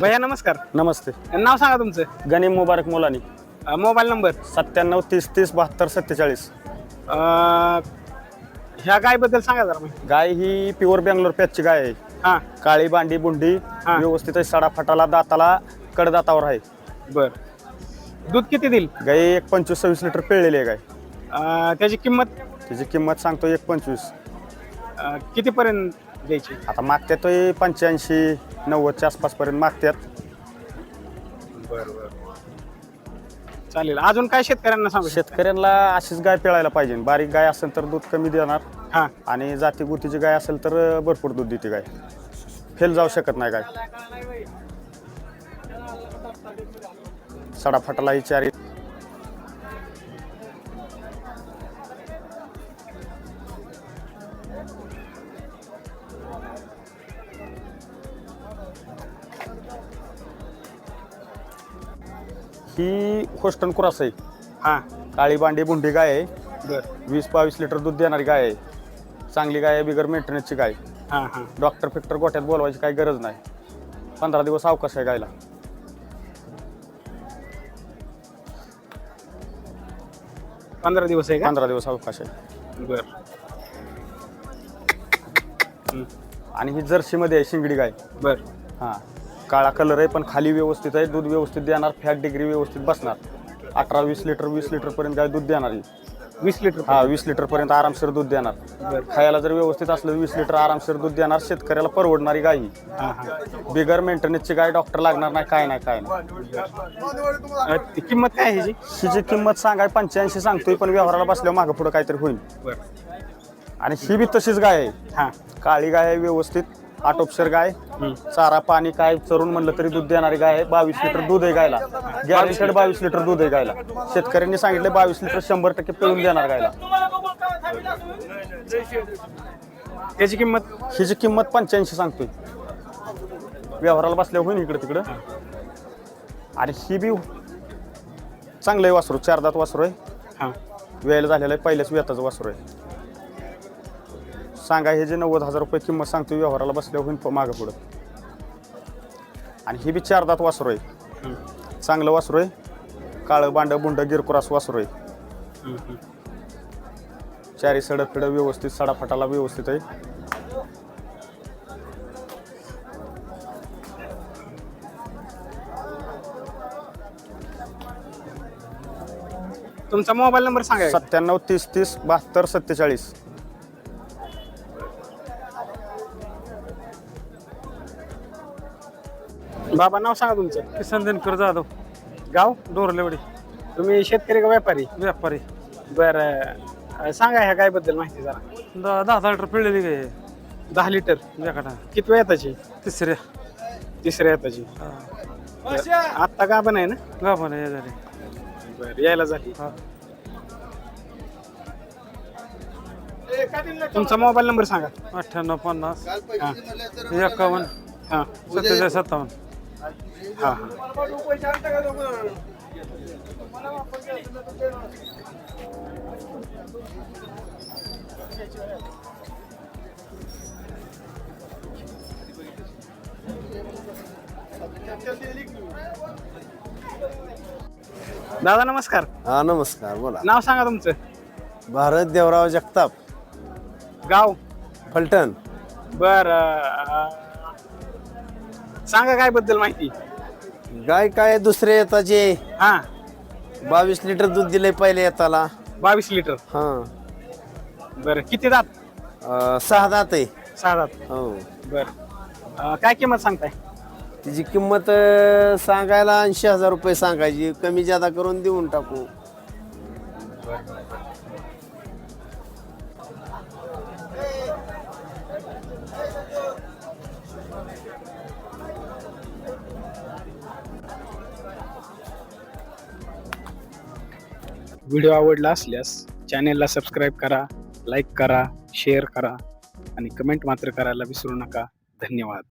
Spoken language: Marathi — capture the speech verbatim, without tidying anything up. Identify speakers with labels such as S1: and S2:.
S1: भैया नमस्कार.
S2: नमस्ते.
S1: नाव सांगा तुमचं.
S2: गनीम मुबारक मोलानी.
S1: अ, मोबाईल नंबर.
S2: सत्त्याण्णव तीस तीस बहात्तर सत्तेचाळीस.
S1: अ, ह्या गायबद्दल सांगा जरा मग.
S2: गाय ही प्युअर बेंगलोर पॅचची गाय आहे.
S1: हां
S2: काळी बांडी बुंडी
S1: हा.
S2: व्यवस्थित आहे. सडा फटाला दाताला कडदातावर आहे.
S1: बर. दूध किती देईल.
S2: गाय एक पंचवीस सव्वीस लिटर पिळलेली आहे गाय.
S1: अ, त्याची किंमत
S2: त्याची किंमत सांगतो एक पंचवीस.
S1: अ, कितीपर्यंत द्यायची.
S2: आता मागत्यात तो पंच्याऐंशी नव्वदच्या आसपासपर्यंत मागत्यात.
S1: बरं चालेल. अजून काय शेतकऱ्यांना सांगू.
S2: शेतकऱ्यांना अशीच गाय पिळायला पाहिजे. बारीक गाय असेल तर दूध कमी देणार
S1: हां
S2: आणि जाती गुतीची गाय असेल तर भरपूर दूध देते गाय. फेल जाऊ शकत नाही गाय. सडा फटाला ही चारी. ही होस्टन क्रॉस आहे.
S1: हां
S2: काळी बांडी बुंडी गाय आहे.
S1: बरं.
S2: वीस बावीस लिटर दूध देणारी गाय आहे. चांगली गाय आहे. बिगर मेंटेनन्सची गाय.
S1: हां हां
S2: डॉक्टर फिक्टर गोठ्यात बोलवायची काही गरज नाही. पंधरा दिवस अवकाश आहे गायला.
S1: पंधरा दिवस आहे का.
S2: पंधरा दिवस अवकाश आहे.
S1: बर.
S2: आणि ही जर्सीमध्ये आहे शिंगडी गाय.
S1: बर.
S2: हां काळा कलर आहे पण खाली व्यवस्थित आहे. दूध व्यवस्थित देणार. फॅट डिग्री व्यवस्थित बसणार. अठरा वीस लिटर वीस लिटरपर्यंत गाय दूध देणार.
S1: वीस लिटर.
S2: हा वीस लिटरपर्यंत आरामशीर दूध देणार.
S1: बरं.
S2: खायला जर व्यवस्थित असलं वीस लिटर आरामशीर दूध देणार. शेतकऱ्याला परवडणारी गाय ही.
S1: हां हां
S2: बिगर मेंटेनन्सची गाय. डॉक्टर लागणार नाही काय नाही काय नाही.
S1: अ, ती किंमत काय आहे ह्याची.
S2: हिची किंमत सांगाय पंच्याऐंशी सांगतोय पण व्यवहाराला बसल्यावर मागं पुढं काहीतरी होईल.
S1: बरं.
S2: आणि ही बी तशीच गाय आहे.
S1: हां
S2: काळी गाय आहे व्यवस्थित. आटोपशर गाय. चारा पाणी काय चरून म्हणलं तरी दूध देणारी गाय आहे. बावीस लिटर दूध आहे गायला. गॅरंटेड बावीस लिटर दूध आहे गायला. शेतकऱ्यांनी सांगितलं बावीस लिटर शंभर टक्के पिळून देणार गायला.
S1: त्याची किंमत.
S2: हिची किंमत पंच्याऐंशी सांगतोय. व्यवहाराला बसल्यावर होईल इकडे तिकडं. आणि ही बी चांगलं आहे वासरू. चार दात वासरू आहे.
S1: हां
S2: वेळेला झालेलं आहे. पहिल्याच वेताचं वासरू आहे. सांगा हे जे नव्वद हजार रुपये किंमत सांगतो. व्यवहाराला बसल्यावर होईल मागं पुढं. आणि ही बी चार दात वासरू आहे. चांगलं वासरू आहे. काळं बांड बुंड गिरकुरास वासरू आहे. चारी सडक फिडं व्यवस्थित. सडाफटाला व्यवस्थित आहे.
S1: तुमचा मोबाईल नंबर सांगा.
S2: सत्त्याण्णव तीस तीस बहात्तर सत्तेचाळीस.
S1: बाबा नाव सांगा तुमचं.
S3: किसन दिनकर जाधव,
S1: गाव.
S3: डोरलेवडी.
S1: तुम्ही शेतकरी का व्यापारी.
S3: व्यापारी.
S1: बरं. सांगा ह्या गायबद्दल माहिती जरा.
S3: दहा दहा दहा लिटर पिळलेली गाय आहे.
S1: दहा लिटर.
S3: एकाटा
S1: किती येताची.
S3: तिसऱ्या.
S1: तिसऱ्या येताची. आत्ता का पण आहे ना.
S3: गाभण आहे झाली.
S1: बरं यायला झाली.
S3: हा.
S1: तुमचा मोबाईल नंबर सांगा.
S3: अठ्ठ्याण्णव पन्नास
S1: हां
S3: एकावन्न
S1: हां
S3: सत्तेचाळीस सत्तावन्न.
S1: हां हां दादा नमस्कार.
S4: हा नमस्कार. बोला.
S1: नाव सांगा तुमचं.
S4: भारत देवराव जगताप,
S1: गाव.
S4: फलटण.
S1: बर. सांगा काय बद्दल माहिती.
S4: गाय काय दुसऱ्या येताचे
S1: हा
S4: बावीस लिटर दूध दिले पहिले येताला.
S1: बावीस लिटर.
S4: हा
S1: बर. किती दात.
S4: अं, सहा दात आहे.
S1: सहा दात.
S4: हो.
S1: बर. काय किंमत सांगताय.
S4: तिची किंमत अं, सांगायला ऐंशी हजार रुपये सांगायची. कमी जादा करून देऊन टाकू.
S1: व्हिडिओ आवडला असल्यास चॅनेलला सबस्क्राईब करा, लाईक करा, शेअर करा आणि कमेंट मात्र करायला विसरू नका. धन्यवाद.